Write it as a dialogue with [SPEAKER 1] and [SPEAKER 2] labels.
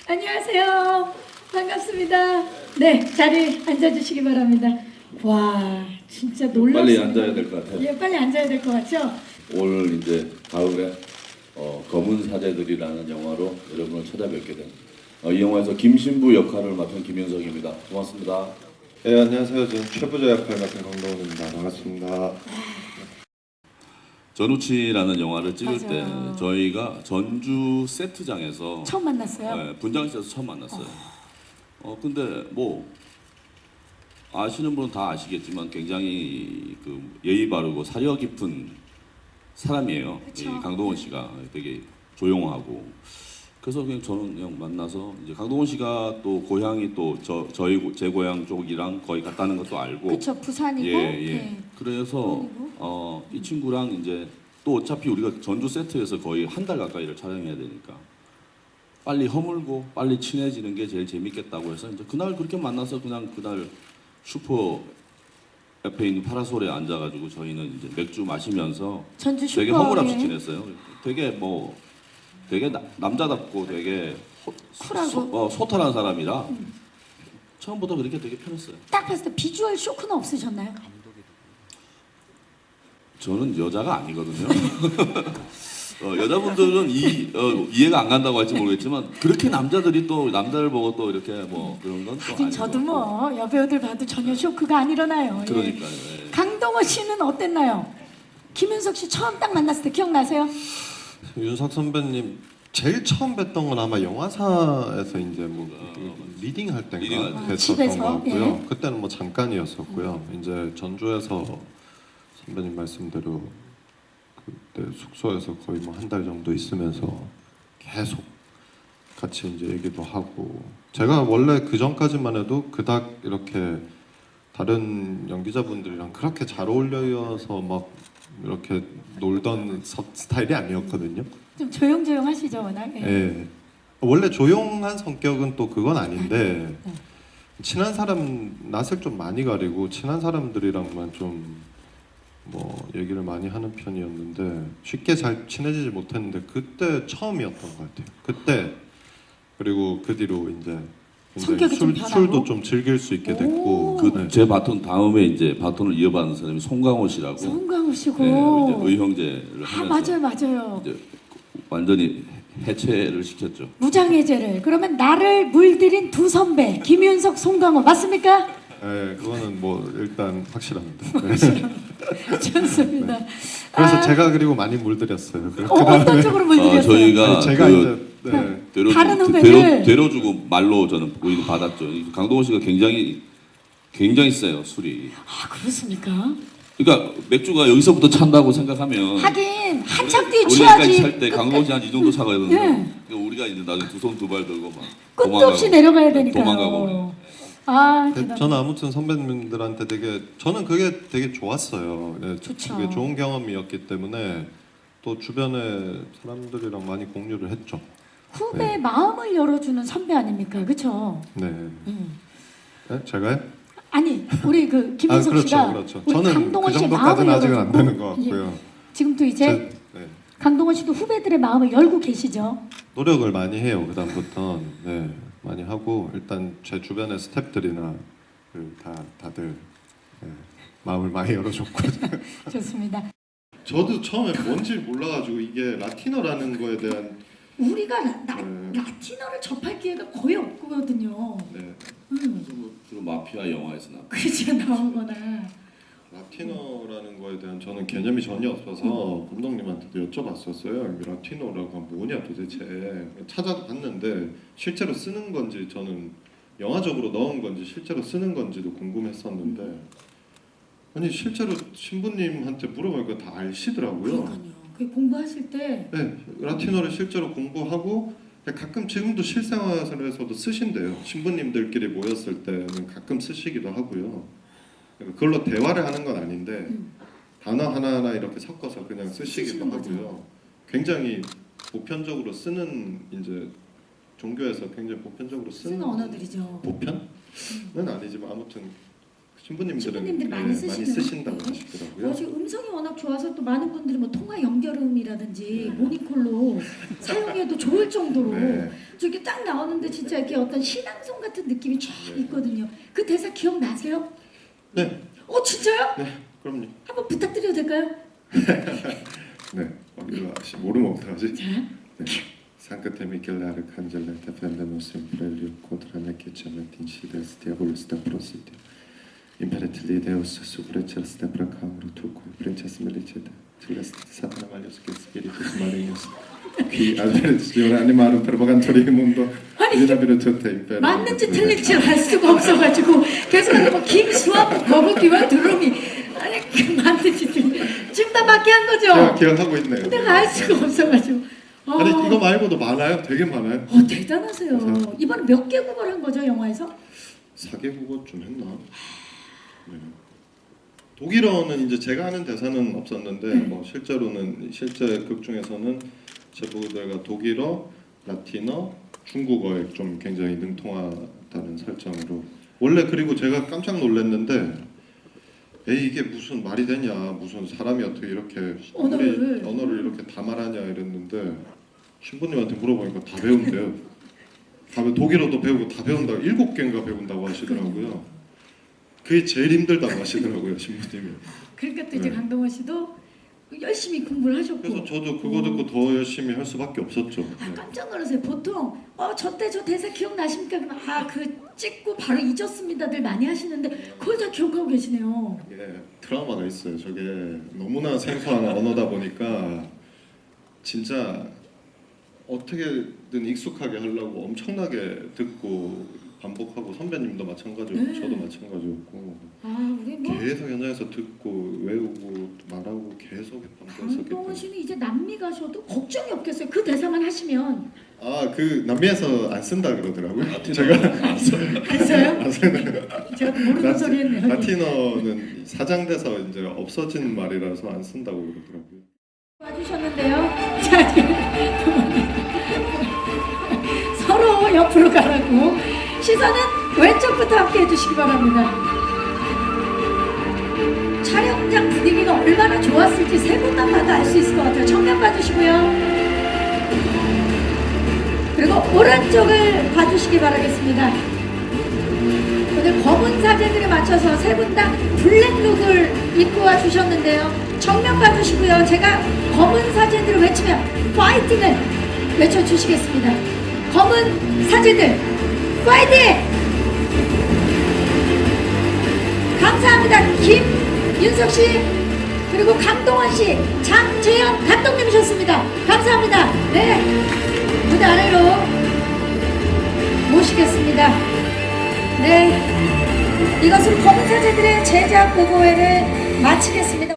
[SPEAKER 1] 안녕하세요. 반갑습니다. 네, 자리 앉아주시기 바랍니다. 와, 진짜 놀랍습니다.
[SPEAKER 2] 빨리 앉아야 될 것 같아요.
[SPEAKER 1] 예, 빨리 앉아야 될 것 같죠?
[SPEAKER 2] 오늘 이제 가을에 검은 사제들이라는 영화로 여러분을 찾아뵙게 된 이 영화에서 김신부 역할을 맡은 김윤석입니다. 고맙습니다.
[SPEAKER 3] 네, 안녕하세요. 저는 최부자 역할 맡은 강동원입니다. 반갑습니다.
[SPEAKER 2] 전우치라는 영화를 찍을
[SPEAKER 1] 맞아요.
[SPEAKER 2] 때 저희가 전주 세트장에서
[SPEAKER 1] 처음 만났어요.
[SPEAKER 2] 네, 분장실에서 처음 만났어요. 근데 뭐 아시는 분은 다 아시겠지만 굉장히 그 예의 바르고 사려 깊은 사람이에요.
[SPEAKER 1] 그쵸.
[SPEAKER 2] 이 강동원 씨가 되게 조용하고 그래서 그냥 저는 그냥 만나서 이제 강동원 씨가 또 고향이 또 제 고향 쪽이랑 거의 같다는 것도 알고
[SPEAKER 1] 그쵸, 부산이고.
[SPEAKER 2] 예.
[SPEAKER 1] 네.
[SPEAKER 2] 그래서 이 친구랑 이제 또 어차피 우리가 전주 세트에서 거의 한 달 가까이를 촬영해야 되니까 빨리 허물고 빨리 친해지는 게 제일 재밌겠다고 해서 이제 그날 그렇게 만나서 그냥 그날 슈퍼 옆에 있는 파라솔에 앉아가지고 저희는 이제 맥주 마시면서
[SPEAKER 1] 전주
[SPEAKER 2] 되게
[SPEAKER 1] 슈퍼.
[SPEAKER 2] 허물없이
[SPEAKER 1] 예.
[SPEAKER 2] 지냈어요. 되게 남자답고 되게
[SPEAKER 1] 쿨하고.
[SPEAKER 2] 소탈한 사람이라 처음부터 그렇게 되게 편했어요.
[SPEAKER 1] 딱 봤을 때 비주얼 쇼크는 없으셨나요?
[SPEAKER 2] 저는 여자가 아니거든요. 여자분들은 이해가 안 간다고 할지 모르겠지만 그렇게 남자들이 또 남자를 보고 또 이렇게 뭐 그런 건 또
[SPEAKER 1] 하긴
[SPEAKER 2] 아니고.
[SPEAKER 1] 저도 뭐 여배우들 봐도 전혀 쇼크가 안 일어나요. 예.
[SPEAKER 2] 그러니까요. 예.
[SPEAKER 1] 강동원 씨는 어땠나요? 김윤석 씨 처음 딱 만났을 때 기억나세요?
[SPEAKER 3] 윤석 선배님 제일 처음 뵀던 건 아마 영화사에서 이제 뭐 리딩 할 때인가
[SPEAKER 2] 리딩 할 때.
[SPEAKER 3] 뵀었던
[SPEAKER 1] 집에서?
[SPEAKER 3] 것 같고요.
[SPEAKER 1] 예.
[SPEAKER 3] 그때는 뭐 잠깐이었었고요. 이제 전주에서 선배님 말씀대로 그때 숙소에서 거의 뭐 한 달 정도 있으면서 계속 같이 이제 얘기도 하고 제가 원래 그 전까지만 해도 그닥 이렇게 다른 연기자분들이랑 그렇게 잘 어울려서 막 이렇게 놀던 스타일이 아니었거든요.
[SPEAKER 1] 좀 조용조용하시죠, 워낙. 예.
[SPEAKER 3] 예. 원래 조용한 성격은 또 그건 아닌데 친한 사람 낯을 좀 많이 가리고 친한 사람들이랑만 좀 뭐 얘기를 많이 하는 편이었는데 쉽게 잘 친해지지 못했는데 그때 처음이었던 것 같아요. 그때 그리고 그 뒤로 이제
[SPEAKER 1] 성격이 좀 변하고?
[SPEAKER 3] 술도 좀 즐길 수 있게 됐고
[SPEAKER 2] 그 제 바톤 다음에 이제 바톤을 이어받는 사람이 송강호 씨라고
[SPEAKER 1] 송강호 씨고.
[SPEAKER 2] 네, 이제 의형제를
[SPEAKER 1] 아,
[SPEAKER 2] 하면서
[SPEAKER 1] 맞아요.
[SPEAKER 2] 이제 완전히 해체를 시켰죠.
[SPEAKER 1] 무장해제를. 그러면 나를 물들인 두 선배 김윤석, 송강호 맞습니까?
[SPEAKER 3] 예, 그거는 뭐 일단 확실합니다.
[SPEAKER 1] 좋습니다.
[SPEAKER 3] 그래서
[SPEAKER 1] 아,
[SPEAKER 3] 제가 그리고 많이 물들였어요.
[SPEAKER 1] 어떤 쪽으로 물들였어요?
[SPEAKER 2] 저희가
[SPEAKER 3] 아니, 제가
[SPEAKER 2] 그
[SPEAKER 3] 이제 네.
[SPEAKER 1] 다른 후배들.
[SPEAKER 2] 되려주고 말로 저는 우리는 받았죠. 강동원 씨가 굉장히 세요 술이.
[SPEAKER 1] 아, 그렇습니까?
[SPEAKER 2] 그러니까 맥주가 여기서부터 찬다고 생각하면
[SPEAKER 1] 하긴 한참 뒤에
[SPEAKER 2] 우리가
[SPEAKER 1] 취하지.
[SPEAKER 2] 찰때 강동원 씨한 이 정도 차거든요.
[SPEAKER 1] 예.
[SPEAKER 2] 그러니까 우리가 이제 나중에 두 손 두 발 들고 막
[SPEAKER 1] 끝도 없이 내려가야 되니까요.
[SPEAKER 2] 도망가고 그래요.
[SPEAKER 1] 아,
[SPEAKER 3] 근데
[SPEAKER 1] 대단.
[SPEAKER 3] 저는 아무튼 선배님들한테 저는 그게 되게 좋았어요. 네,
[SPEAKER 1] 좋죠.
[SPEAKER 3] 그게 좋은 경험이었기 때문에 또 주변에 사람들이랑 많이 공유를 했죠.
[SPEAKER 1] 후배의 마음을 열어주는 선배 아닙니까? 그렇죠?
[SPEAKER 3] 네. 네? 제가요?
[SPEAKER 1] 아니, 우리 그 김윤석
[SPEAKER 3] 그렇죠,
[SPEAKER 1] 씨가
[SPEAKER 3] 그렇죠.
[SPEAKER 1] 우리
[SPEAKER 3] 저는
[SPEAKER 1] 강동원
[SPEAKER 3] 그
[SPEAKER 1] 씨의
[SPEAKER 3] 정도까지는
[SPEAKER 1] 마음을
[SPEAKER 3] 아직은 안 되는
[SPEAKER 1] 열어주고,
[SPEAKER 3] 것 같고요.
[SPEAKER 1] 예. 지금도 이제
[SPEAKER 3] 네.
[SPEAKER 1] 강동원 씨도 후배들의 마음을 열고 계시죠?
[SPEAKER 3] 노력을 많이 해요. 그다음부터 네, 많이 하고 일단 제 주변의 스태프들이나 다들 네, 마음을 많이 열어줬고.
[SPEAKER 1] 좋습니다.
[SPEAKER 3] 저도 처음에 뭔지 몰라가지고 이게 라틴어라는 거에 대한
[SPEAKER 1] 우리가
[SPEAKER 3] 네.
[SPEAKER 1] 라틴어를 접할 기회가 거의 없거든요.
[SPEAKER 3] 네,
[SPEAKER 2] 주로 마피아 영화에서 나.
[SPEAKER 1] 그렇죠, 나오거나.
[SPEAKER 3] 라틴어라는 거에 대한 저는 개념이 전혀 없어서 감독님한테도 여쭤봤었어요. 라틴어라고 뭐냐 도대체 찾아봤는데 실제로 쓰는 건지 저는 영화적으로 넣은 건지 실제로 쓰는 건지도 궁금했었는데 아니 실제로 신부님한테 물어보니까 다 아시더라고요.
[SPEAKER 1] 그러니까요. 그 공부하실 때
[SPEAKER 3] 네, 라틴어를 실제로 공부하고 가끔 지금도 실생활에서도 쓰신대요. 신부님들끼리 모였을 때는 가끔 쓰시기도 하고요. 그걸로 대화를 하는 건 아닌데 단어 하나하나 이렇게 섞어서 그냥 쓰시기도 하고요. 굉장히 보편적으로 쓰는 이제 종교에서 굉장히 보편적으로 쓰는
[SPEAKER 1] 쓰는 언어들이죠.
[SPEAKER 3] 보편은 아니지만 아무튼 신부님들은
[SPEAKER 1] 많이
[SPEAKER 3] 많이
[SPEAKER 1] 쓰시는
[SPEAKER 3] 쓰신다고
[SPEAKER 1] 것
[SPEAKER 3] 하시더라고요.
[SPEAKER 1] 지금 음성이 워낙 좋아서 또 많은 분들이 뭐 통화 연결음이라든지 모니콜로 사용해도 좋을 정도로
[SPEAKER 3] 네.
[SPEAKER 1] 저게 딱 나오는데 진짜 이렇게 어떤 신앙송 같은 느낌이 쫙 있거든요. 그 대사 기억나세요?
[SPEAKER 3] 네,
[SPEAKER 1] 진짜요?
[SPEAKER 3] 네, 그럼요.
[SPEAKER 1] 한번 부탁드려도 될까요?
[SPEAKER 3] 네, 이거 모르면 어떡하지?
[SPEAKER 1] 자,
[SPEAKER 3] Sancte Michele Arcangelo defendemus imperio contra necium et incides diabolus de prosidio. Imperatili Deus supreces de pracamur tuque, princes melicete, celeste satana malius et spiritus malignos, qui advertione animarum pervogantori mundo,
[SPEAKER 1] 아니,
[SPEAKER 3] vina virtute imperium.
[SPEAKER 1] 맞는지 틀린지 알 수가 없어가지고 계속 뭐 김수환, 거북이와 두루미 아니 그 맞는지 틀린 지금 다 맞게 한 거죠?
[SPEAKER 3] 제가 기억하고 있네요.
[SPEAKER 1] 내가 알 수가 없어가지고
[SPEAKER 3] 아니 이거 말고도 많아요. 되게 많아요.
[SPEAKER 1] 대단하세요.
[SPEAKER 3] 그래서-
[SPEAKER 1] 이번에 몇 개국어를 한 거죠 영화에서?
[SPEAKER 3] 4개국어 좀 했나? 네. 독일어는 이제 제가 하는 대사는 없었는데 뭐 실제로는 실제 극 중에서는 제 부들과 독일어, 라틴어, 중국어에 좀 굉장히 능통하다는 설정으로 원래 그리고 제가 깜짝 놀랐는데 에이 이게 무슨 말이 되냐 무슨 사람이 어떻게 이렇게 언어를 이렇게 다 말하냐 이랬는데 신부님한테 물어보니까 다 배운대요. 독일어도 배우고 다 배운다고 7개인가 배운다고 하시더라고요. 그게 제일 힘들다고 하시더라고요 신부님이.
[SPEAKER 1] 그러니까 또 이제
[SPEAKER 3] 네.
[SPEAKER 1] 강동원 씨도 열심히 공부를 하셨고.
[SPEAKER 3] 그래서 저도 그거 듣고 더 열심히 할 수밖에 없었죠. 네.
[SPEAKER 1] 깜짝 놀라세요. 보통 저때 저 대사 기억나십니까? 그러면 그 찍고 바로 잊었습니다들 많이 하시는데 그걸 다 기억하고 계시네요.
[SPEAKER 3] 이게 트라우마가 있어요. 저게 너무나 생소한 언어다 보니까 진짜 어떻게든 익숙하게 하려고 엄청나게 듣고 반복하고 선배님도 마찬가지고
[SPEAKER 1] 네.
[SPEAKER 3] 저도 마찬가지였고
[SPEAKER 1] 우리 뭐
[SPEAKER 3] 계속 현장에서 듣고 외우고 말하고 계속 반복했었기
[SPEAKER 1] 강동원
[SPEAKER 3] 때문에
[SPEAKER 1] 씨는 이제 남미 가셔도 걱정이 없겠어요. 그 대사만 하시면.
[SPEAKER 3] 그 남미에서 안 쓴다 그러더라고요. 제가
[SPEAKER 1] 안 써요?
[SPEAKER 3] 안 쓰는
[SPEAKER 1] 제가 또 모르는 소리 했네요.
[SPEAKER 3] 라틴어는 사장돼서 이제 없어진 말이라서 안 쓴다고 그러더라고요.
[SPEAKER 1] 와주셨는데요. 자, 서로 옆으로 가라고. 시선은 왼쪽부터 함께 해주시기 바랍니다. 촬영장 분위기가 얼마나 좋았을지 세 분만 봐도 알 수 있을 것 같아요. 정면 봐주시고요. 그리고 오른쪽을 봐주시기 바라겠습니다. 오늘 검은 사진들에 맞춰서 세 분 다 블랙룩을 입고 와주셨는데요. 정면 봐주시고요. 제가 검은 사진들을 외치면 파이팅을 외쳐주시겠습니다. 검은 사진들 파이팅! 감사합니다. 김윤석 씨 그리고 강동원 씨, 장재현 감독님이셨습니다. 감사합니다. 네, 무대 아래로 모시겠습니다. 네, 이것으로 검은 사제들의 제작 보고회를 마치겠습니다.